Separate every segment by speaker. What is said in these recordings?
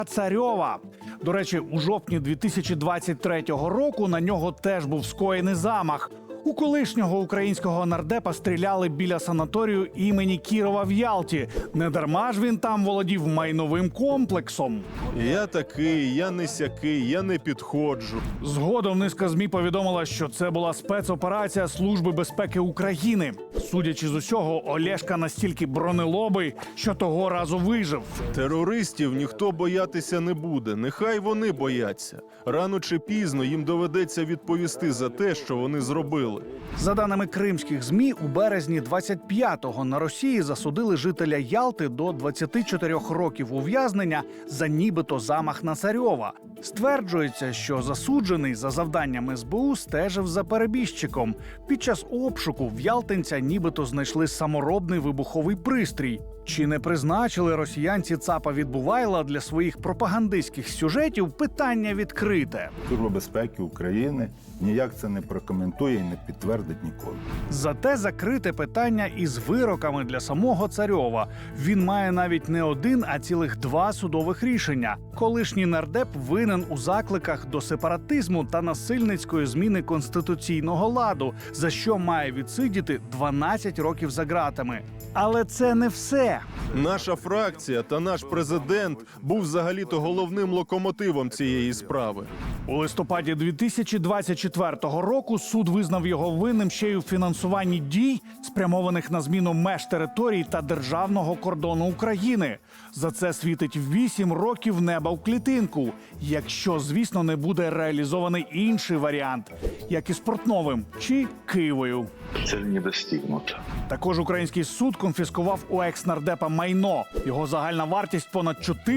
Speaker 1: Царьова. До речі, у жовтні 2023 року на нього теж був скоєний замах. У колишнього українського нардепа стріляли біля санаторію імені Кірова в Ялті. Недарма ж він там володів майновим комплексом.
Speaker 2: Я такий, я не сякий, я не підходжу.
Speaker 1: Згодом низка ЗМІ повідомила, що це була спецоперація Служби безпеки України. Судячи з усього, Олешка настільки бронелобий, що того разу вижив.
Speaker 2: Терористів ніхто боятися не буде, нехай вони бояться. Рано чи пізно їм доведеться відповісти за те, що вони зробили.
Speaker 1: За даними кримських ЗМІ, у березні 25-го на Росії засудили жителя Ялти до 24 років ув'язнення за нібито замах на Царьова. Стверджується, що засуджений за завданням СБУ стежив за перебіжчиком. Під час обшуку в ялтинця нібито знайшли саморобний вибуховий пристрій. Чи не призначили росіянці ЦАПа Відбувайла для своїх пропагандистських сюжетів – питання відкрите.
Speaker 3: Служба безпеки України ніяк це не прокоментує і не підтвердить ніколи.
Speaker 1: Зате закрите питання із вироками для самого Царьова. Він має навіть не один, а цілих 2 судових рішення. Колишній нардеп винен у закликах до сепаратизму та насильницької зміни конституційного ладу, за що має відсидіти 12 років за ґратами. Але це не все.
Speaker 2: Наша фракція та наш президент був взагалі-то головним локомотивом цієї справи.
Speaker 1: У листопаді 2024 року суд визнав його винним ще й у фінансуванні дій, спрямованих на зміну меж територій та державного кордону України. За це світить 8 років неба в клітинку, якщо, звісно, не буде реалізований інший варіант, як із Портновим чи Києвою.
Speaker 4: Цель не достигнута.
Speaker 1: Також український суд конфіскував у екс-нардепа майно. Його загальна вартість понад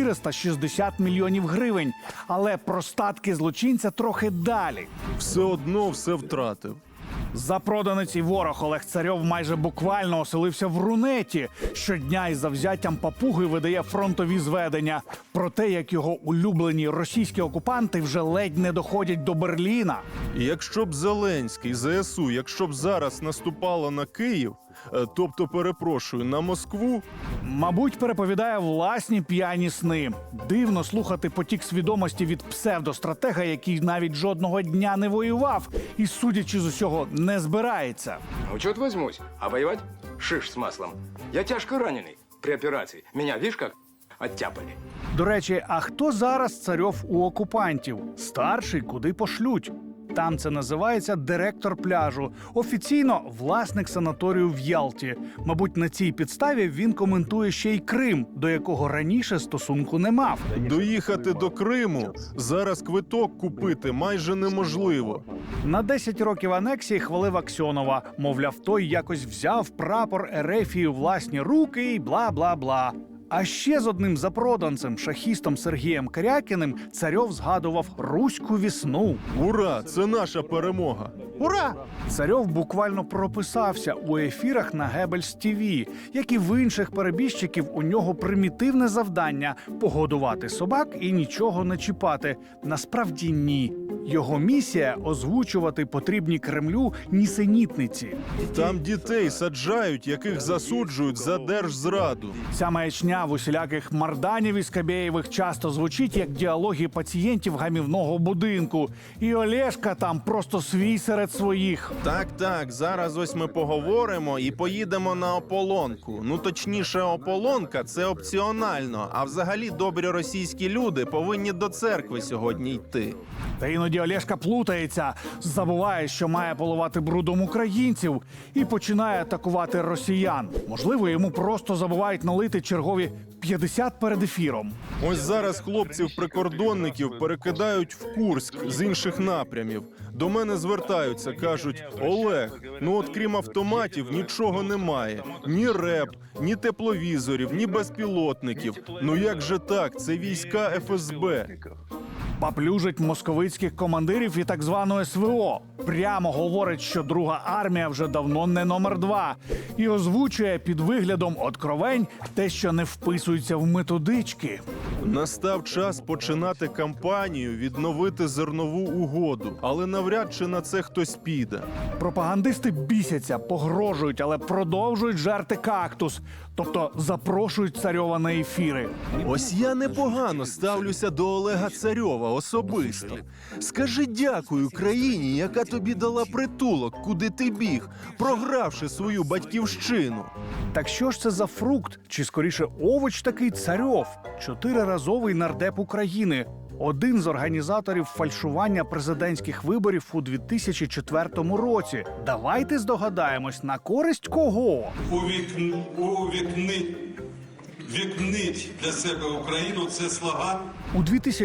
Speaker 1: 460 мільйонів гривень. Але про статки злочинця трохи далі.
Speaker 2: Все одно все втратив.
Speaker 1: Запроданець і ворог Олег Царьов майже буквально оселився в Рунеті. Щодня із завзяттям папуги видає фронтові зведення про те, як його улюблені російські окупанти вже ледь не доходять до Берліна.
Speaker 2: І якщо б Зеленський, ЗСУ, якщо б зараз наступало на Київ, тобто, перепрошую, на Москву,
Speaker 1: Мабуть, переповідає власні п'яні сни. Дивно слухати потік свідомості від псевдостратега, який навіть жодного дня не воював і, судячи з усього, не збирається.
Speaker 5: Ну, чё возьмусь? А воевать? Шиш с маслом. Я тяжко раненый при операции. Меня, видишь, как оттяпали.
Speaker 1: До речі, а хто зараз Царьов у окупантів? Старший куди пошлють? Там це називається директор пляжу. Офіційно власник санаторію в Ялті. Мабуть, на цій підставі він коментує ще й Крим, до якого раніше стосунку не мав.
Speaker 2: доїхати до Криму, зараз квиток купити майже неможливо.
Speaker 1: На 10 років анексії хвалив Аксьонова. Мовляв, той якось взяв прапор Ерефії у власні руки і бла-бла-бла. А ще з одним запроданцем, шахістом Сергієм Карякіним, Царьов згадував руську весну.
Speaker 2: Ура! Це наша перемога!
Speaker 1: Ура! Царьов буквально прописався у ефірах на Геббельс ТВ. Як і в інших перебіжчиків, у нього примітивне завдання – погодувати собак і нічого не чіпати. Насправді ні. Його місія – озвучувати потрібні Кремлю нісенітниці.
Speaker 2: Там дітей саджають, яких засуджують за держзраду.
Speaker 1: Ця маячня в усіляких Марданів і Скабєєвих часто звучить як діалоги пацієнтів гамівного будинку. І Олешка там просто свій серед своїх.
Speaker 2: Так, зараз ось ми поговоримо і поїдемо на ополонку. Ну, точніше, ополонка – це опціонально, а взагалі добрі російські люди повинні до церкви сьогодні йти.
Speaker 1: Та іноді Олешка плутається, забуває, що має поливати брудом українців і починає атакувати росіян. Можливо, йому просто забувають налити чергові 50 перед ефіром.
Speaker 2: Ось зараз хлопців-прикордонників перекидають в Курськ з інших напрямів. До мене звертаються, кажуть: Олег, ну от крім автоматів нічого немає. Ні РЕП, ні тепловізорів, ні безпілотників. Ну як же так? Це війська ФСБ.
Speaker 1: Поплюжить московицьких командирів і так званого СВО. Прямо говорить, що Друга армія вже давно не номер 2. І озвучує під виглядом откровень те, що не вписується в методички.
Speaker 2: Настав час починати кампанію, відновити зернову угоду. Але навряд чи на це хтось піде.
Speaker 1: Пропагандисти бісяться, погрожують, але продовжують жерти кактус. тобто запрошують царьова на ефіри.
Speaker 2: Ось я непогано ставлюся до Олега Царьова особисто. Скажи дякую країні, яка тобі дала притулок, куди ти біг, програвши свою батьківщину.
Speaker 1: Так що ж це за фрукт, чи скоріше овоч такий Царьов, 4-разовий нардеп України, один з організаторів фальшування президентських виборів у 2004 році. Давайте здогадаємось, на користь кого?
Speaker 6: Вікнить для себе Україну – це слоган.
Speaker 1: У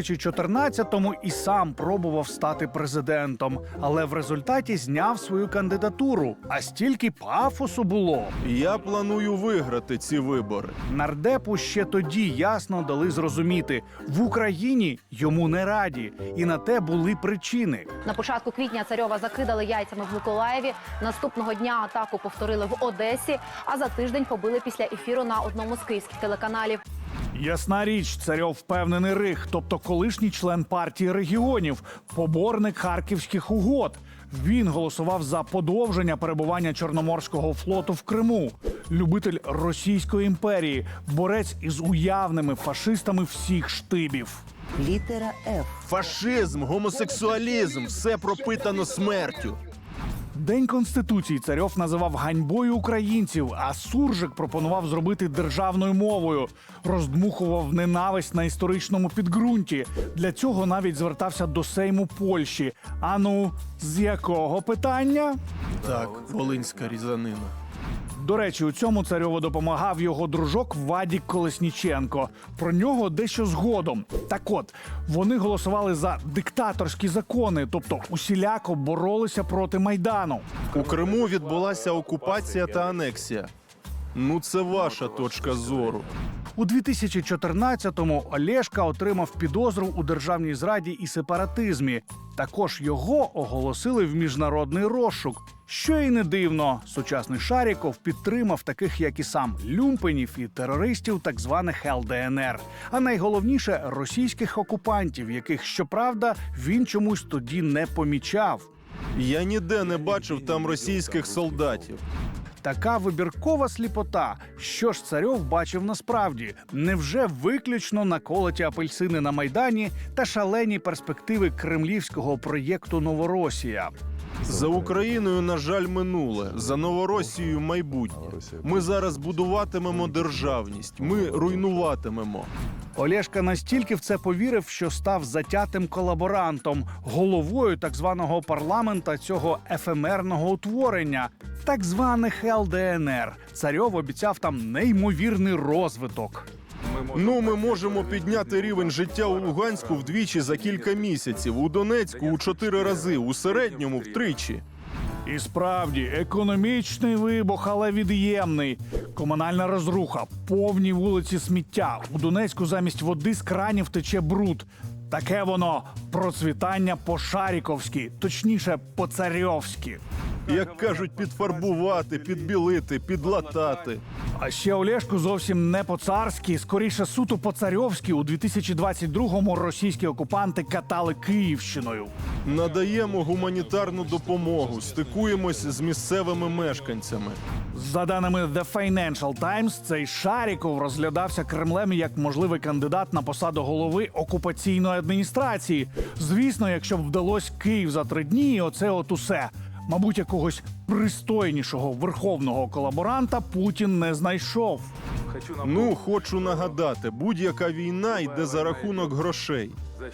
Speaker 1: 2014-му і сам пробував стати президентом, але в результаті зняв свою кандидатуру. А стільки пафосу було.
Speaker 2: Я планую виграти ці вибори.
Speaker 1: Нардепу ще тоді ясно дали зрозуміти – в Україні йому не раді. І на те були причини.
Speaker 7: На початку квітня Царьова закидали яйцями в Миколаєві. Наступного дня атаку повторили в Одесі, а за тиждень побили після ефіру на одному з київських телеканалів.
Speaker 1: Ясна річ, Царьов впевнений рих, тобто колишній член партії регіонів, поборник харківських угод. Він голосував за подовження перебування Чорноморського флоту в Криму. Любитель Російської імперії, борець із уявними фашистами всіх штибів.
Speaker 8: Літера Ф.
Speaker 2: Фашизм, гомосексуалізм – все пропитано смертю.
Speaker 1: День Конституції Царьов називав ганьбою українців, а Суржик пропонував зробити державною мовою. Роздмухував ненависть на історичному підґрунті. Для цього навіть звертався до Сейму Польщі. Ану, з якого питання?
Speaker 2: Так, волинська різанина.
Speaker 1: До речі, у цьому Царьову допомагав його дружок Вадік Колесніченко. Про нього дещо згодом. Так от, вони голосували за диктаторські закони, тобто усіляко боролися проти Майдану.
Speaker 2: У Криму відбулася окупація та анексія. Ну, це ваша точка зору.
Speaker 1: У 2014-му Олешка отримав підозру у державній зраді і сепаратизмі. Також його оголосили в міжнародний розшук. Що й не дивно, сучасний Шаріков підтримав таких, як і сам, люмпенів і терористів так званих ЛДНР. А найголовніше – російських окупантів, яких, щоправда, він чомусь тоді не помічав.
Speaker 2: Я ніде не бачив там російських солдатів.
Speaker 1: Така вибіркова сліпота. Що ж Царьов бачив насправді? Невже виключно наколоті апельсини на Майдані та шалені перспективи кремлівського проєкту «Новоросія»?
Speaker 2: За Україною, на жаль, минуле. За Новоросією – майбутнє. Ми зараз будуватимемо державність. Ми руйнуватимемо.
Speaker 1: Олешка настільки в це повірив, що став затятим колаборантом, головою так званого парламента цього ефемерного утворення, так званих ЛДНР. Царьов обіцяв там неймовірний розвиток.
Speaker 2: Ну, ми можемо підняти рівень життя у Луганську вдвічі за кілька місяців, у Донецьку у 4 рази, у середньому втричі.
Speaker 1: І справді, економічний вибух, але від'ємний. Комунальна розруха, повні вулиці сміття. У Донецьку замість води з кранів тече бруд. Таке воно процвітання по-шаріковськи, точніше, по-царьовськи.
Speaker 2: Як кажуть, підфарбувати, підбілити, підлатати.
Speaker 1: А ще Олешку зовсім не по-царськи, скоріше суто по-царьовськи у 2022-му російські окупанти катали Київщиною.
Speaker 2: Надаємо гуманітарну допомогу, стикуємось з місцевими мешканцями.
Speaker 1: За даними The Financial Times, цей Шаріков розглядався Кремлем як можливий кандидат на посаду голови окупаційної адміністрації. Звісно, якщо б вдалося Київ за 3 дні, і оце от усе. Мабуть, якогось пристойнішого верховного колаборанта Путін не знайшов.
Speaker 2: Ну, хочу нагадати, будь-яка війна йде за рахунок грошей.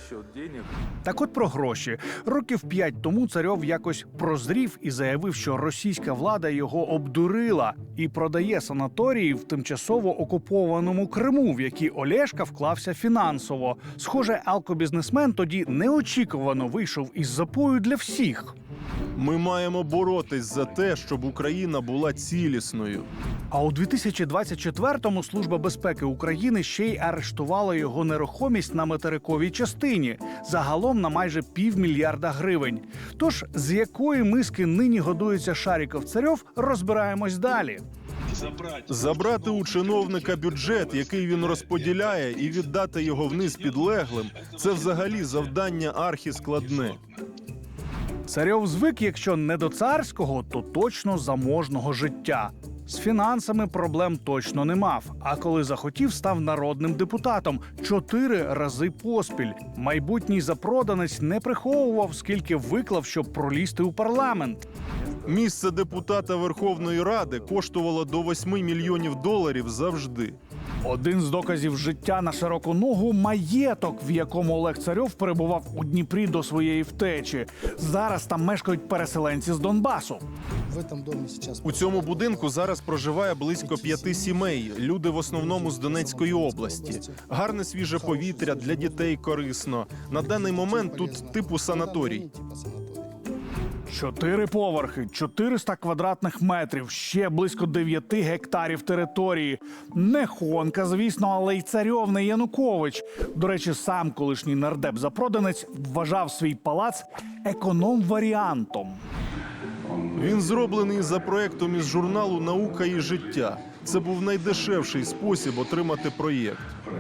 Speaker 1: Так от про гроші. Років 5 тому Царьов якось прозрів і заявив, що російська влада його обдурила і продає санаторії в тимчасово окупованому Криму, в які Олешка вклався фінансово. Схоже, алкобізнесмен тоді неочікувано вийшов із запою для всіх.
Speaker 2: Ми маємо боротись за те, щоб Україна була цілісною.
Speaker 1: А у 2024-му Служба безпеки України ще й арештувала його нерухомість на материковій частині. Загалом на майже $500 мільярда гривень. Тож, з якої миски нині годується Шаріков-Царьов, розбираємось далі.
Speaker 2: Забрати у чиновника бюджет, який він розподіляє, і віддати його вниз підлеглим – це взагалі завдання архіскладне.
Speaker 1: Царьов звик, якщо не до царського, то точно заможного життя. З фінансами проблем точно не мав. А коли захотів, став народним депутатом 4 рази поспіль. Майбутній запроданець не приховував, скільки виклав, щоб пролізти у парламент.
Speaker 2: Місце депутата Верховної Ради коштувало до $8 мільйонів завжди.
Speaker 1: Один з доказів життя на широку ногу – маєток, в якому Олег Царьов перебував у Дніпрі до своєї втечі. Зараз там мешкають переселенці з Донбасу.
Speaker 2: У цьому будинку зараз проживає близько 5 сімей. Люди в основному з Донецької області. Гарне свіже повітря, для дітей корисно. На даний момент тут типу санаторій.
Speaker 1: 4 поверхи, 400 квадратних метрів, ще близько 9 гектарів території. Не Хонка, звісно, але й Царьов, не Янукович. До речі, сам колишній нардеп-запроданець вважав свій палац економ-варіантом.
Speaker 2: Він зроблений за проектом із журналу «Наука і життя». Це був найдешевший спосіб отримати проєкт.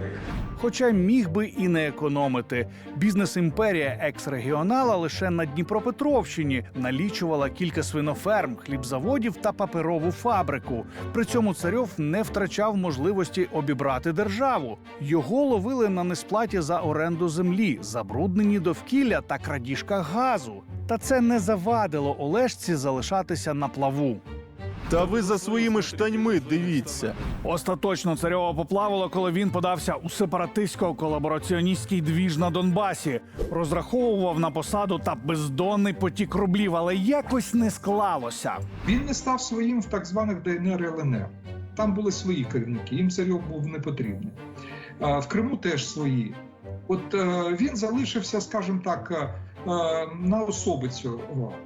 Speaker 1: Хоча міг би і не економити. Бізнес-імперія екс-регіонала лише на Дніпропетровщині налічувала кілька свиноферм, хлібзаводів та паперову фабрику. При цьому Царьов не втрачав можливості обібрати державу. Його ловили на несплаті за оренду землі, забруднені довкілля та крадіжка газу. Та це не завадило Олешці залишатися на плаву.
Speaker 2: Та ви за своїми штаньми дивіться.
Speaker 1: Остаточно Царьова поплавило, коли він подався у сепаратистсько-колабораціоністський двіж на Донбасі. Розраховував на посаду та бездонний потік рублів, але якось не склалося.
Speaker 8: Він не став своїм в так званих ДНР і ЛНР. Там були свої керівники, їм Царьов був не потрібний. В Криму теж свої. От він залишився, скажімо так, на особицю.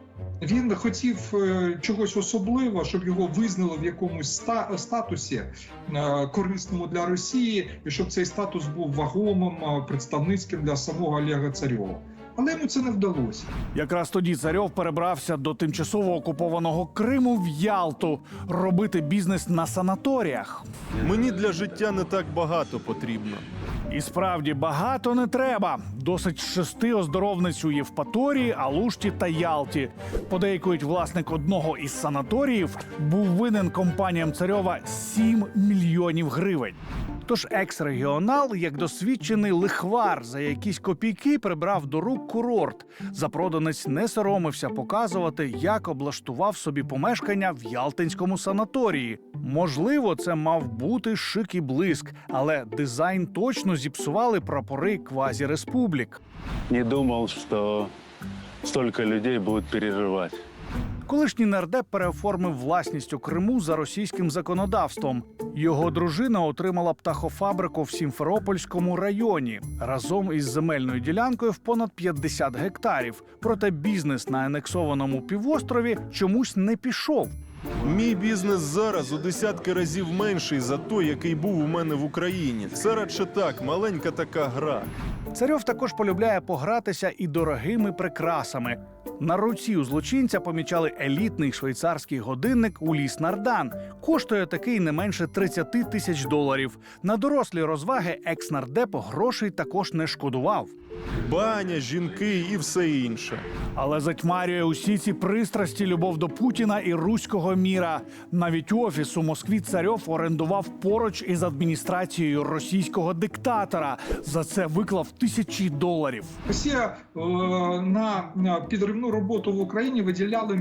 Speaker 8: Він хотів чогось особливого, щоб його визнали в якомусь статусі корисному для Росії, і щоб цей статус був вагомим, представницьким для самого Олега Царьова. Але йому це не вдалося.
Speaker 1: Якраз тоді Царьов перебрався до тимчасово окупованого Криму в Ялту робити бізнес на санаторіях.
Speaker 2: Мені для життя не так багато потрібно.
Speaker 1: І справді багато не треба. Досить 6 оздоровниць у Євпаторії, Алушті та Ялті. Подейкують, власник одного із санаторіїв був винен компаніям Царьова 7 мільйонів гривень. Тож екс-регіонал, як досвідчений лихвар, за якісь копійки прибрав до рук курорт. Запроданець не соромився показувати, як облаштував собі помешкання в ялтинському санаторії. Можливо, це мав бути шик і блиск, але дизайн точно зіпсували прапори квазі-республік.
Speaker 9: Не думал, что столько людей будут переживать.
Speaker 1: Колишній нардеп переоформив власність у Криму за російським законодавством. Його дружина отримала птахофабрику в Сімферопольському районі разом із земельною ділянкою в понад 50 гектарів. Проте бізнес на анексованому півострові чомусь не пішов.
Speaker 2: Мій бізнес зараз у десятки разів менший за той, який був у мене в Україні. Це радше так, маленька така гра.
Speaker 1: Царьов також полюбляє погратися і дорогими прикрасами. На руці у злочинця помічали елітний швейцарський годинник Уліс Нардан. Коштує такий не менше $30 тисяч. На дорослі розваги екс-нардеп грошей також не шкодував.
Speaker 2: Баня, жінки і все інше.
Speaker 1: Але затьмарює усі ці пристрасті любов до Путіна і руського міра. Навіть офіс у Москві Царьов орендував поруч із адміністрацією російського диктатора. За це виклав $1000.
Speaker 8: Росія на підривну роботу в Україні виділяли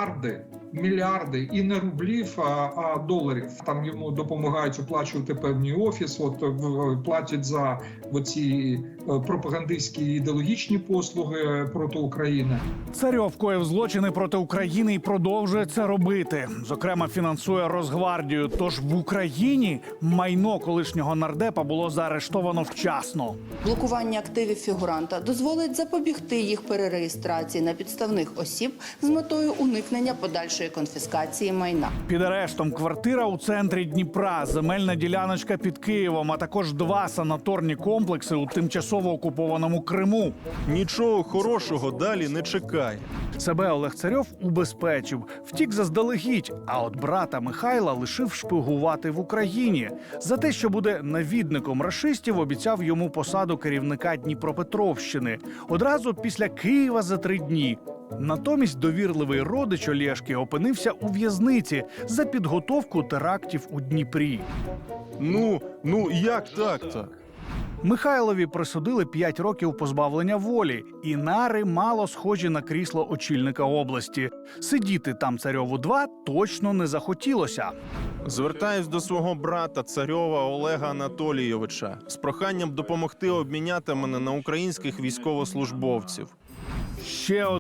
Speaker 8: мільярди і не рублів, а доларів. Там йому допомагають оплачувати певний офіс, платять за оці пропагандистські ідеологічні послуги проти України.
Speaker 1: Царьов коїв злочини проти України і продовжує це робити. Зокрема, фінансує Росгвардію. Тож в Україні майно колишнього нардепа було заарештовано вчасно.
Speaker 10: Блокування активів фігуранта дозволить запобігти їх перереєстрації на підставних осіб з метою уникнення подальшої конфіскації майна.
Speaker 1: Під арештом квартира у центрі Дніпра, земельна діляночка під Києвом, а також 2 санаторні комплекси у тимчасово окупованому Криму.
Speaker 2: Нічого хорошого далі не чекає.
Speaker 1: Себе Олег Царьов убезпечив, втік заздалегідь, а от брата Михайла лишив шпигувати в Україні. За те, що буде навідником рашистів, обіцяв йому посаду керівника Дніпропетровщини. Одразу після Києва за 3 дні. Натомість довірливий родич Олєшки опинився у в'язниці за підготовку терактів у Дніпрі.
Speaker 2: Ну як так-то?
Speaker 1: Михайлові присудили 5 років позбавлення волі, і нари мало схожі на крісло очільника області. Сидіти там Царьову 2 точно не захотілося.
Speaker 2: Звертаюсь до свого брата Царьова Олега Анатолійовича з проханням допомогти обміняти мене на українських військовослужбовців.
Speaker 1: Ще